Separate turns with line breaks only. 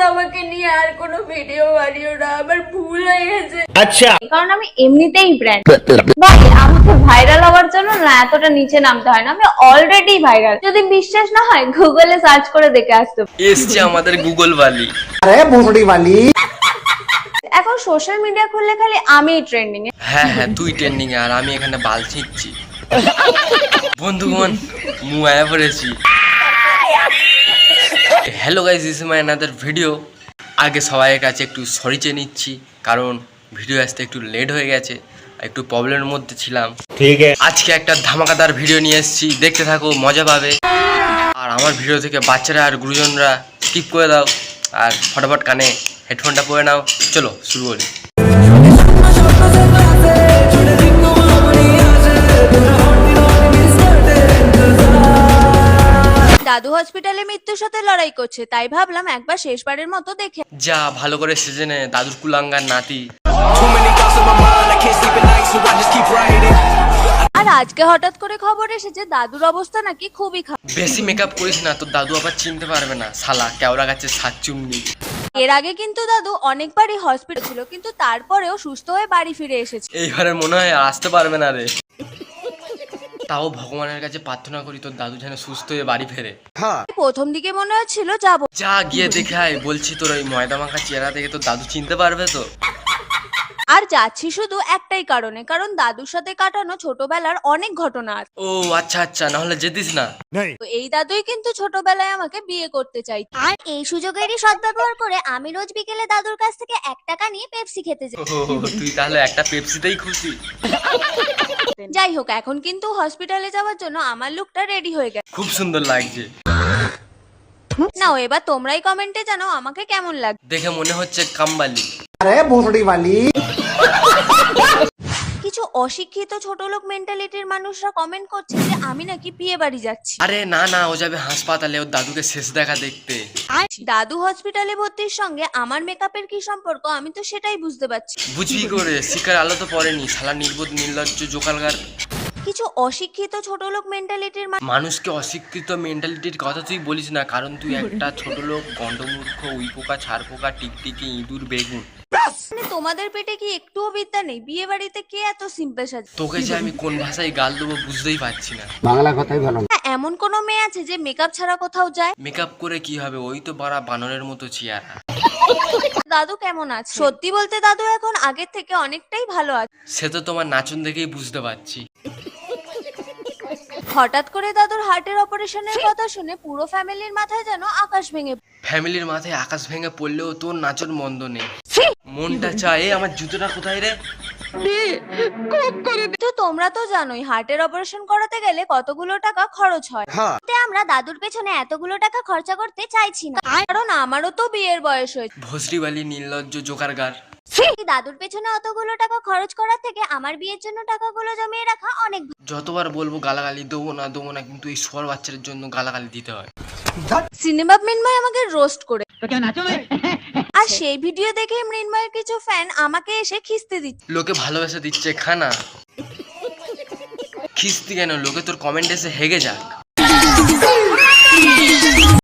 আমাকে নিয়ে আর কোনো ভিডিও বানিও না, আমার ভুল হয়ে গেছে।
আচ্ছা,
কারণ আমি এমনিতেই ব্র্যান্ড ভাই, আমাকে ভাইরাল হওয়ার জন্য না এতটা নিচে নামতে হয় না, আমি অলরেডি ভাইরাল। যদি বিশ্বাস না হয় গুগলে সার্চ করে দেখে আসতে পারো।
এসছে আমাদের গুগল বালি।
আরে ভুসড়ি বালি।
এখন সোশ্যাল মিডিয়া খুললে খালি আমিই ট্রেন্ডিং এ।
হ্যাঁ হ্যাঁ, তুই ট্রেন্ডিং এ আর আমি এখানে বাল ছিঁচ্ছি। বন্ধুগণ, মুয়া পড়েছি। Hello guys, this is my another video. আগে সবাইয়ের কাছে একটু সরি চেয়ে নিচ্ছি, কারণ ভিডিও আসতে একটু লেট হয়ে গেছে, একটু প্রবলেমের মধ্যে ছিলাম।
ঠিক আছে,
আজকে একটা ধামাকাদার ভিডিও নিয়ে এসেছি, দেখতে থাকো, মজা পাবে। আর আমার ভিডিও থেকে বাচ্চারা আর গুরুজনরা স্কিপ করে দাও, আর ফটাফট কানে হেডফোনটা পরে নাও। চলো শুরু করি।
দাদু হসপিটালে মৃত্যুর সাথে লড়াই করছে, তাই ভাবলাম একবার শেষবারের মতো দেখে।
যা ভালো করে সিজনে দাদুর কুলাঙ্গার নাতি।
আর আজকে হঠাৎ করে খবর এসেছে দাদুর অবস্থা নাকি খুবই খারাপ।
বেশি মেকআপ করিস না, তোর দাদু আবার চিনতে পারবে না, শালা কেওড়া গাছের সাতচুন্নি।
এর আগে কিন্তু দাদু অনেকবারই হসপিটাল ছিল, কিন্তু তারপরেও সুস্থ হয়ে বাড়ি ফিরে এসেছে।
এইবারে মনে হয় আসতে পারবে না রে। তাও ভগবানের কাছে প্রার্থনা করি তোর দাদু যেন সুস্থ হয়ে বাড়ি ফেরে।
প্রথম দিকে মনে হচ্ছিল যাবো,
যা গিয়ে দেখে আয়, বলছি তোর ওই ময়দা মাখা চেহারা দেখে তোর দাদু চিনতে পারবে তো।
আর যাচ্ছি শুধু একটাই কারণে, কারণ দাদুর সাথে কাটানো ছোটবেলার অনেক ঘটনা আছে।
ও আচ্ছা আচ্ছা, নাহলে যেতিস না।
তো এই দাদুই কিন্তু ছোটবেলায় আমাকে বিয়ে করতে চাই, আর এই সুযোগেরই সদ্ব্যবহার করে আমি রোজ বিকেলে দাদুর কাছ থেকে 1 টাকা নিয়ে পেপসি খেতে যাই।
ও তুই তাহলে একটা পেপসিতেই খুশি।
যাই হোক, এখন কিন্তু হসপিটালে যাওয়ার জন্য আমার লুকটা রেডি হয়ে গেছে।
খুব সুন্দর লাগছে।
নাও এবার তোমরাই কমেন্টে জানাও আমাকে কেমন লাগে।
দেখে মনে হচ্ছে কামবালি।
আরে ভুসড়ি বালি।
কিছু অশিক্ষিত ছোট লোক মেন্টালিটির মানুষরা কমেন্ট করছে যে আমি নাকি বিয়ে বাড়ি যাচ্ছি।
আরে না না, ও যাবে হাসপাতালে ওর দাদুকে শেষ দেখা দেখতে।
আর দাদু হসপিটালে ভর্তির সঙ্গে আমার মেকআপের কি সম্পর্ক, আমি তো সেটাই বুঝতে পারছি।
বুঝবি করে, শিকার আলো তো পড়েনি, শালা নির্বোধ নির্লজ্জ জোকালগার।
কিছু অশিক্ষিত ছোট লোক মেন্টালিটির
মানুষকে অশিক্ষিত মেন্টালিটির কথা তুই বলিস না, কারণ তুই একটা ছোট লোক, গন্ডমূর্খ, উইপোকা, ছাড়পোকা, টিকটিকি, ইঁদুর, বেগুন।
মানে তোমাদের পেটে কি একটুও বিদ্যা নেই? বিয়ে বাড়িতে কে এত সিম্পল সাজে?
তোকে যে আমি কোন ভাষায় গাল দেবো বুঝতেই পারছি না।
বাংলা কথাই ভালো।
এমন কোন মেয়ে আছে যে মেকআপ ছাড়া কোথাও যায়?
মেকআপ করে কি হবে, ওই তো বাড়া বানরের মতো চেহারা।
দাদু কেমন আছে? সত্যি বলতে দাদু এখন আগের থেকে অনেকটাই ভালো আছে।
সে তো তোমার নাচন দেখেই বুঝতে পারছি।
হঠাৎ করে দাদুর হার্টের অপারেশনের কথা শুনে পুরো ফ্যামিলির মাথায় যেন আকাশ ভেঙে।
ফ্যামিলির মাথায় আকাশ ভেঙে পড়লেও তোর নাচন মন্দ নেই। মনটা চায়, আমার জুতোটা কোথায় রে?
তো তোমরা তো জানোই হার্টের অপারেশন করাতে গেলে কতগুলো টাকা খরচ হয়। আমরা দাদুর পেছনে এতগুলো টাকা খরচা করতে চাইছি না, কারণ আমারও তো বিয়ের বয়স হয়েছে।
ভস্রিবালি নির্লজ্জ জোকারগার।
দাদুর পেছনে অতগুলো টাকা খরচ করার থেকে আমার বিয়ের জন্য টাকাগুলো জমিয়ে রাখা অনেক ভালো।
যতবার বলবো গালাগালি দেবো না, কিন্তু এই সোয়ার বাচ্চাদের জন্য গালাগালি দিতে হয়।
সিনেমা মৃন্ময় আমাকে রোস্ট করে, আর সেই ভিডিও দেখে মৃন্ময়ের কিছু ফ্যান আমাকে এসে খিস্তি দিচ্ছে।
লোকে ভালোবেসে দিচ্ছে খানা, খিস্তি কেন? লোকে তোর কমেন্ট এসে হেগে যাক।